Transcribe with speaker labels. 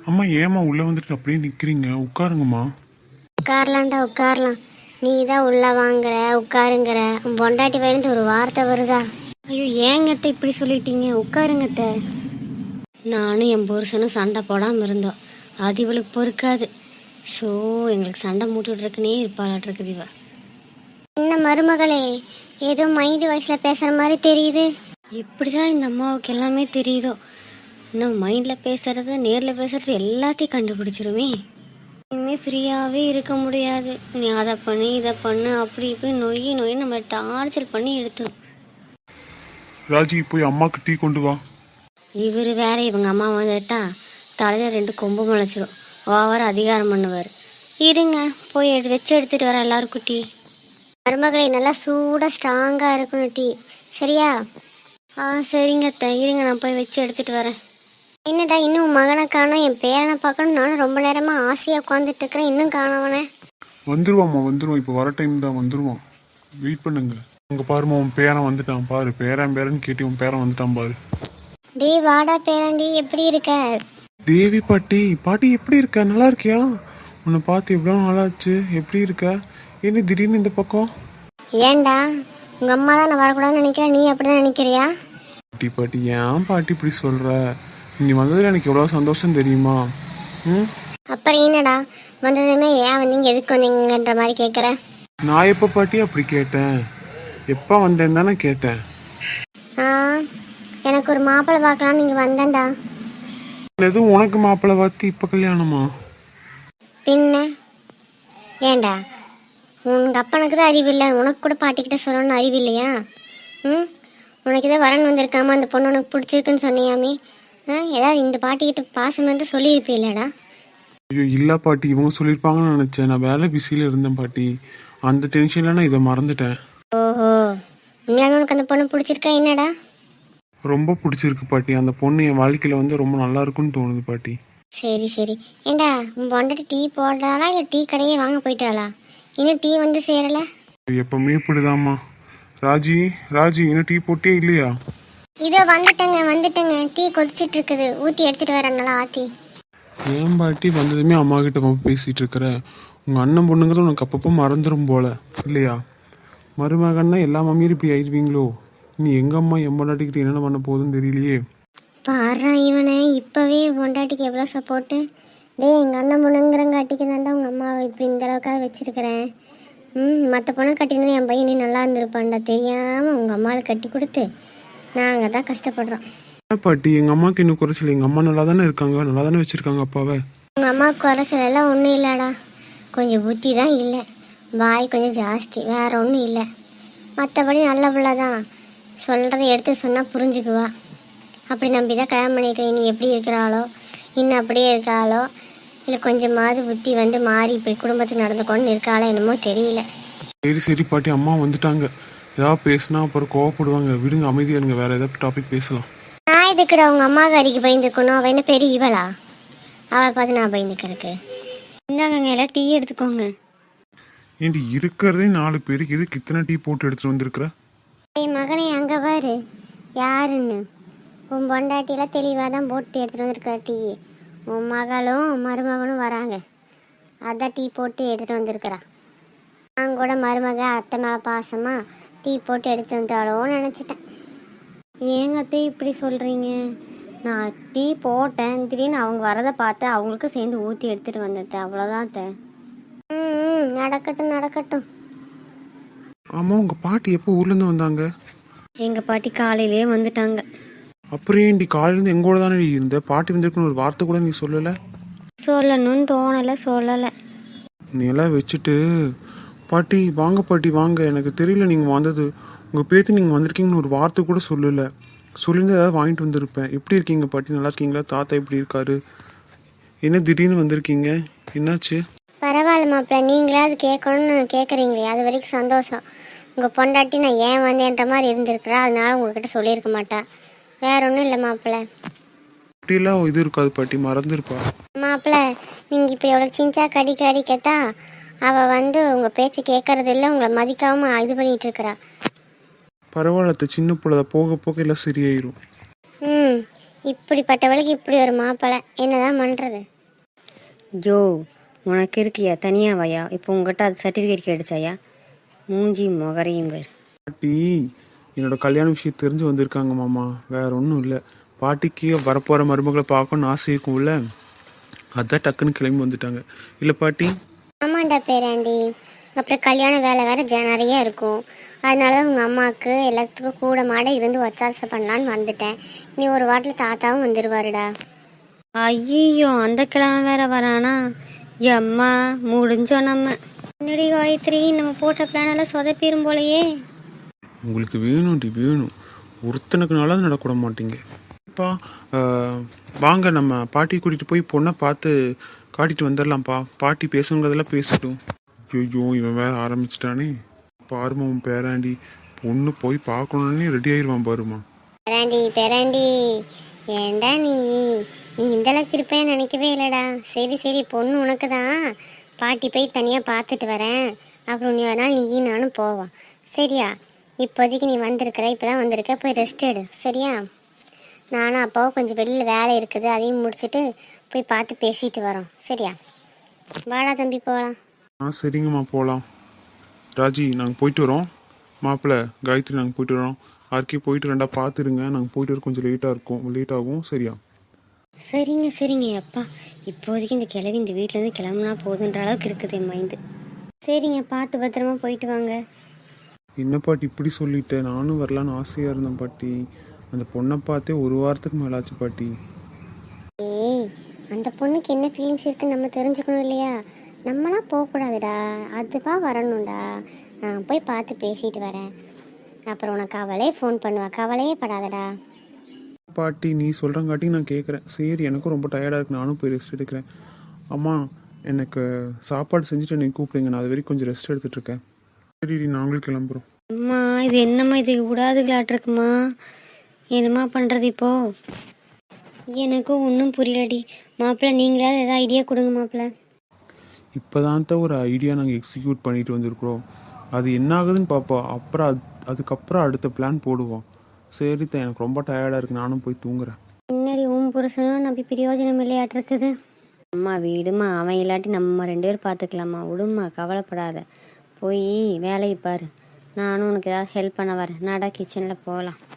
Speaker 1: அம்மா ஏம்மா உள்ளே வந்துட்டு அப்படியே நிற்கிறீங்க? உட்காருங்கம்மா.
Speaker 2: உட்காரலாம்டா உட்காரலாம். நீ தான் உள்ள வாங்குற உட்காருங்கிற. உன் பொண்டாட்டி வயிருந்து ஒரு வார்த்தை வருதா? ஐயோ ஏங்கத்த இப்படி சொல்லிட்டீங்க? உட்காருங்கத்த. நானும் என் புருஷனும் சண்டை போடாமல் இருந்தோம். அது இவளுக்கு பொறுக்காது. ஸோ எங்களுக்கு சண்டை மூட்டுட்ருக்குனே இருப்பாளாட்ருக்குது இவ. என்ன மருமகளே, ஏதோ மைண்டு வயசில் பேசுகிற மாதிரி தெரியுது. எப்படிதான் இந்த அம்மாவுக்கு எல்லாமே தெரியுதோ. இன்னும் மைண்டில் பேசுறது நேரில் பேசுறது எல்லாத்தையும் கண்டுபிடிச்சிருமே. இனிமேல் ஃப்ரீயாகவே இருக்க முடியாது. நீ அதை பண்ணு இதை பண்ணு அப்படி இப்படி நொய் நம்மளை டார்ச்சர் பண்ணி எடுத்துரும்.
Speaker 1: ராஜி போய் அம்மாக்கு டீ கொண்டு வா.
Speaker 2: இவர் வேற இவங்க அம்மா வந்துட்டா தலையில் 2 கொம்பு முளைச்சிரும். ஓவர் அதிகாரம் பண்ணுவார். இருங்க போய் வச்சு எடுத்துகிட்டு வர எல்லாருக்கும் டீ. மருமகளை நல்லா சூடாக ஸ்ட்ராங்காக இருக்கணும் டீ. சரியா? சரிங்க அத்தை, இருங்க நான் போய் வச்சு எடுத்துகிட்டு வரேன். என்னடா இன்னும் மகனை காணோம், என் பேரனை பார்க்கணும். நானும் ரொம்ப நேரமாக ஆசையாக உட்காந்துட்டு இருக்கிறேன், இன்னும் காணவனே.
Speaker 1: வந்துருவாம்மா வந்துருவான். இப்போ வர டைம் தான் வந்துருவான். வெயிட் பண்ணுங்க. உங்க பாருமா உன் பேரன் வந்துட்டான் பாரு. பேரன் கேட்டி உன் பேரன் வந்துட்டான் பாரு.
Speaker 2: டே வாடா பேரண்டி, எப்படி இருக்க?
Speaker 1: தேவி பாட்டி எப்படி இருக்க? நல்லா இருக்கியா? உன்னை பார்த்து எவ்வளோ நாளாச்சு. எப்படி இருக்க? என்ன திடீர்னு இந்த பக்கம்?
Speaker 2: ஏன்டா உங்கள் அம்மா தான் நான் வரக்கூடாதுன்னு நினைக்கிறேன், நீ அப்படி தான் நினைக்கிறியா?
Speaker 1: பாட்டி ஏன் பாட்டி இப்படி சொல்கிற? நீ வந்ததில் எனக்கு எவ்வளோ சந்தோஷம் தெரியுமா?
Speaker 2: அப்புறம் என்னடா வந்ததுமே ஏன் வந்தீங்க எதுக்கு வந்தீங்கன்ற மாதிரி கேட்குற?
Speaker 1: நான் எப்போ பாட்டி அப்படி கேட்டேன்? எப்போ வந்தேன் தானே கேட்டேன்.
Speaker 2: எனக்கு ஒரு மாப்பிள்ளை பார்க்கலாம் நீங்கள் வந்தேன்டா.
Speaker 1: எதுவும் உனக்கு மாப்பிள்ளை பார்த்து இப்போ கல்யாணமா?
Speaker 2: பின்ன ஏன்டா உங்கள் அப்பனுக்கு தான் அறிவு இல்லை, உனக்கு கூட பாட்டிக்கிட்ட சொல்லணும்னு அறிவு இல்லையா? உனக்கு இதை வரன் வந்திருக்காம அந்த பொண்ணு உனக்கு பிடிச்சிருக்குன்னு சொன்னியாமே. ஏதாவது இந்த பாட்டிக்கிட்ட பாசம் வந்து சொல்லியிருப்பீல்லடா.
Speaker 1: ஐயோ இல்லை பாட்டி, இவங்க சொல்லியிருப்பாங்கன்னு நினச்சேன். நான் வேலை பிஸியில் இருந்தேன் பாட்டி. அந்த டென்ஷனில் நான் இதை மறந்துட்டேன்.
Speaker 2: ஓஹோ, உண்மையாலுமே உனக்கு அந்த பொண்ணு பிடிச்சிருக்கா? என்னடா
Speaker 1: ரொம்ப பிடிச்சிருக்கு பாட்டி. அந்த பொண்ணு என் வாழ்க்கையில் வந்து ரொம்ப நல்லா இருக்குன்னு தோணுது பாட்டி.
Speaker 2: சரி ஏண்டா உன் பொண்டாட்டி டீ போடுறாளா இல்லை டீ கடையே வாங்க போயிட்டாளா? இன்னும் டீ வந்து சேரலை.
Speaker 1: எப்பவுமே இப்படிதாம்மா. ராஜி இன்னும் டீ போட்டே இல்லையா?
Speaker 2: இதோ வந்துட்டேங்க. டீ கொதிச்சிட்டு இருக்குது, ஊற்றி எடுத்துட்டு வரேன் நல்லா ஆற்றி.
Speaker 1: ஏன் பாட்டி வந்ததுமே அம்மா கிட்ட பேசிட்டு இருக்கிற? உங்கள் அண்ணன் பொண்ணுங்கிறது உனக்கு அப்பப்போ மறந்துடும் போல இல்லையா? மருமகன்னா எல்லா மம்மியும் இப்படி ஆயிடுவீங்களோ? நீ எங்கள் அம்மா என் பொண்டாட்டிக்கிட்ட என்னென்ன பண்ண போகுதுன்னு தெரியலையே.
Speaker 2: பாடுறா இவனை, இப்போவே பொண்டாட்டிக்கு எவ்வளோ சப்போர்ட்டு. எங்கள் அண்ணன் பொண்ணுங்கிறங்காட்டிக்கு தாண்டா உங்கள் அம்மாவை இப்படி இந்த அளவுக்காக வச்சுருக்கிறேன். மற்ற பொண்ணை கட்டியிருந்தா என் பையன் நீ நல்லா இருந்திருப்பான்டா. தெரியாமல் உங்கள் அம்மாவுக்கு கட்டி கொடுத்து நாங்கள் தான் கஷ்டப்படுறோம்.
Speaker 1: பாட்டி எங்கள் அம்மாவுக்கு இன்னும் குறைச்சல. எங்கள் அம்மா நல்லா தானே இருக்காங்க, நல்லா தானே வச்சுருக்காங்க அப்பாவை.
Speaker 2: உங்கள் அம்மாவுக்கு குறைச்சலெல்லாம் ஒன்றும் இல்லைடா, கொஞ்சம் புத்தி தான் இல்லை, வாய் கொஞ்சம் ஜாஸ்தி, வேற ஒன்றும் இல்லை. மற்றபடி நல்ல பிள்ளை தான், சொல்கிறத எடுத்து சொன்னால் புரிஞ்சுக்குவா. அப்படி நம்பி தான் கல்யாணம் பண்ணியிருக்கிறேன். நீ எப்படி இருக்கிறாளோ இன்னும் அப்படியே இருக்காளோ இல்லை கொஞ்சமாவது புத்தி வந்து மாறி இப்படி குடும்பத்துக்கு நடந்துக்கொண்டு இருக்காளோ என்னமோ தெரியல.
Speaker 1: சரி பாட்டி, அம்மா வந்துட்டாங்க. ஏதாவது பேசினா அப்புறம் கோவப்படுவாங்க. விடுங்க, அமைதியானுங்க. வேற ஏதாவது டாபிக் பேசலாம்.
Speaker 2: நான் இதுக்குடா உங்கள் அம்மா கறிக்கு பயந்துக்கணும். அவள் என்ன பெரிய இவளா? அவளை பார்த்து நான் பயந்துக்கிறதுக்கு? இந்தாங்க எல்லாம் டீ எடுத்துக்கோங்க.
Speaker 1: ஏன்டி இருக்கிறதே 4 பேருக்கு எதுக்கு இத்தனை டீ போட்டு எடுத்துட்டு வந்திருக்கிற?
Speaker 2: என் மகனை அங்கே பாரு யாருன்னு. உன் பொண்டாட்டியெல்லாம் தெளிவாக தான் போட்டு எடுத்துகிட்டு வந்திருக்கிற டீ. உன் மகளும் மருமகனும் வராங்க, அதான் டீ போட்டு எடுத்துகிட்டு வந்திருக்கிறா. நான் கூட மருமக அத்தை மேலே பாசமாக டீ போட்டு எடுத்துகிட்டு வந்துட்டாளோன்னு நினச்சிட்டேன். ஏங்க அத்தை இப்படி சொல்கிறீங்க? நான் டீ போட்டேன், திடீர்னு அவங்க வரதை பார்த்து அவங்களுக்கும் சேர்ந்து ஊற்றி எடுத்துகிட்டு வந்துட்டேன், அவ்வளோதான் அத்தை. நடக்கட்டும்.
Speaker 1: ஆமாம், உங்கள் பாட்டி எப்போ ஊர்லேருந்து வந்தாங்க?
Speaker 2: எங்கள் பாட்டி காலையிலே வந்துட்டாங்க.
Speaker 1: அப்புறம் ஏன்டி காலையிலேருந்து எங்கூட தானே இருந்த? பாட்டி வந்திருக்குன்னு ஒரு வார்த்தை கூட நீ சொல்லலை?
Speaker 2: சொல்லணும்னு தோணலை, சொல்லலை.
Speaker 1: நீ எல்லாம் வச்சுட்டு பாட்டி வாங்க, எனக்கு தெரியல நீங்கள் வந்தது. உங்கள் பேத்து நீங்கள் வந்திருக்கீங்கன்னு ஒரு வார்த்தை கூட சொல்லலை. சொல்லியிருந்தா ஏதாவது வாங்கிட்டு வந்திருப்பேன். எப்படி இருக்கீங்க பாட்டி? நல்லா இருக்கீங்களா? தாத்தா எப்படி இருக்காரு? என்ன திடீர்னு வந்திருக்கீங்க, என்னாச்சு?
Speaker 2: பரவாயில்ல மாப்பிள்ள, நீங்களாவது கேட்கணும்னு கேட்குறீங்களே, அது வரைக்கும் சந்தோஷம். உங்கள் பொண்டாட்டி நான் ஏன் வந்தேன்ற மாதிரி இருந்திருக்கிறா, அதனால உங்ககிட்ட சொல்லியிருக்க மாட்டா. வேற ஒன்றும் இல்லை மாப்பிள்ள.
Speaker 1: அப்படியெல்லாம் இது இருக்காது பாட்டி, மறந்துருப்பா.
Speaker 2: மாப்பிள்ள நீங்கள் இப்போ எவ்வளோ சிஞ்சா கடிக்கத்தா அவள் வந்து உங்கள் பேச்சு கேட்கறது இல்லை, உங்களை மதிக்காமல் இது பண்ணிகிட்டு இருக்கிறா.
Speaker 1: பரவாயில்ல, சின்ன பிள்ளை போக எல்லாம் சரியாயிரும்.
Speaker 2: இப்படிப்பட்டவளுக்கு இப்படி ஒரு மாப்பிள்ளை, என்னதான் பண்ணுறது? ஜோ உனக்கு இருக்கியா தனியாக வாயா இப்போ உங்கள்கிட்ட அது சர்டிஃபிகேட் கிடைச்சாயா மூஞ்சி முகரையும் பேர்.
Speaker 1: பாட்டி என்னோட கல்யாண விஷயம் தெரிஞ்சு வந்திருக்காங்க மாமா, வேற ஒன்றும் இல்லை. பாட்டிக்கு வரப்போகிற மருமகளை பார்க்கணும்னு ஆசை இருக்கும்ல, அதான் டக்குன்னு கிளம்பி வந்துட்டாங்க. இல்லை பாட்டி?
Speaker 2: ஆமாண்டா பேராண்டி, அப்புறம் கல்யாண வேலை வேறு நிறைய இருக்கும். அதனால தான் உங்கள் அம்மாவுக்கு எல்லாத்துக்கும் கூட மாட இருந்து ஒத்தாசை பண்ணலான்னு வந்துட்டேன். நீ ஒரு வாட்டில் தாத்தாவும் வந்துடுவாருடா. ஐயோ அந்த கிழமை வேற வரானா? அம்மா முடிஞ்சோம் நம்ம. முன்னாடி காயத்ரி நம்ம போட்ட பிளான் எல்லாம் சொதப்பிடும் போலையே.
Speaker 1: உங்களுக்கு வேணும்டி வேணும், ஒருத்தனுக்குனால அது நடக்கூட மாட்டீங்க. அப்பா வாங்க நம்ம பாட்டியை கூட்டிகிட்டு போய் பொண்ணை பார்த்து காட்டிட்டு வந்துடலாம்ப்பா. பாட்டி பேசுங்கிறதெல்லாம் பேசட்டும். ஐயோ இவன் வேற ஆரம்பிச்சிட்டானே. பாருமா உன் பேராண்டி, பொண்ணு போய் பார்க்கணுன்னே ரெடி ஆயிடுவான் பாருமா.
Speaker 2: பேராண்டி ஏண்டா நீ இந்த அளவுக்கு இருப்பேன்னு நினைக்கவே இல்லைடா. சரி சரி, பொண்ணு உனக்கு தான், பாட்டி போய் தனியாக பார்த்துட்டு வரேன். அப்புறம் நீ ஒரு நாள் நீ நானும் போவோம் சரியா? இப்போதைக்கு நீ வந்திருக்கிற, இப்போ தான் வந்திருக்க, போய் ரெஸ்ட் எடு சரியா? நானும் அப்பாவும் கொஞ்சம் வெளியில் வேலை இருக்குது, அதையும் முடிச்சுட்டு போய் பார்த்து பேசிட்டு வரோம் சரியா? வாடா தம்பி போகலாம்.
Speaker 1: சரிங்கம்மா போகலாம். ராஜி நாங்கள் போயிட்டு வரோம். மாப்பிள்ளை காயத்ரி நாங்கள் போயிட்டு வரோம். ஆர்கே போயிட்டு ரெண்டா பார்த்துருங்க, நாங்கள் போயிட்டு வர கொஞ்சம் லேட் ஆகும் சரியா?
Speaker 2: சரிங்க சரிங்க அப்பா, இப்போதைக்கு இந்த கிளவி இந்த வீட்டிலேருந்து கிளம்புனா போதுன்ற அளவுக்கு இருக்குது என் மைண்டு. சரிங்க, பார்த்து பத்திரமா போயிட்டு வாங்க.
Speaker 1: என்ன பாட்டி இப்படி சொல்லிட்டேன், நானும் வரலான்னு ஆசையாக இருந்தேன் பாட்டி. அந்த பொண்ணை பார்த்தே ஒரு வாரத்துக்கு மேலாச்சு பாட்டி.
Speaker 2: ஏய், அந்த பொண்ணுக்கு என்ன ஃபீலிங்ஸ் இருக்குன்னு நம்ம தெரிஞ்சுக்கணும் இல்லையா? நம்மளாம் போகக்கூடாதுடா, அதுவா வரணும்டா. நான் போய் பார்த்து பேசிட்டு வரேன், அப்புறம் உனக்கு அவளே ஃபோன் பண்ணுவா, கவலையே படாதடா.
Speaker 1: பாட்டி நீ சொல்கிறங்காட்டி நான் கேட்குறேன். சரி எனக்கும் ரொம்ப டயர்டாக இருக்கு, நானும் போய் ரெஸ்ட் எடுக்கிறேன். அம்மா எனக்கு சாப்பாடு செஞ்சுட்டு என்னை கூப்பிடுங்க, நான் அது வரைக்கும் கொஞ்சம் ரெஸ்ட் எடுத்துகிட்ருக்கேன். சரி நாங்களும் கிளம்புறோம்.
Speaker 2: அம்மா இது என்னம்மா, இது விடாதுகளாட்டிருக்குமா? என்னம்மா பண்ணுறது இப்போ? எனக்கும் ஒன்றும் புரியலடி. மாப்பிள்ளை நீங்களாவது எதாவது ஐடியா கொடுங்க மாப்பிள்ளை.
Speaker 1: இப்போ தான் ஒரு ஐடியா நாங்கள் எக்ஸிக்யூட் பண்ணிட்டு வந்திருக்கிறோம். அது என்ன ஆகுதுன்னு பார்ப்போம், அப்புறம் அதுக்கப்புறம் அடுத்த பிளான் போடுவோம். சரி தான், எனக்கு ரொம்ப டயர்டாக இருக்குது, நானும் போய் தூங்குறேன்.
Speaker 2: முன்னாடி உன் புருஷனும் நம்பி பிரயோஜனம் இல்லையாட்டிருக்குது. அம்மா வீடுமா, அவன் இல்லாட்டி நம்ம 2 பேரும் பார்த்துக்கலாமா, விடுமா கவலைப்படாத. போய் வேலையை பாரு, நானும் உனக்கு ஏதாவது ஹெல்ப் பண்ண வரேன். நாடா கிச்சனில் போகலாம்.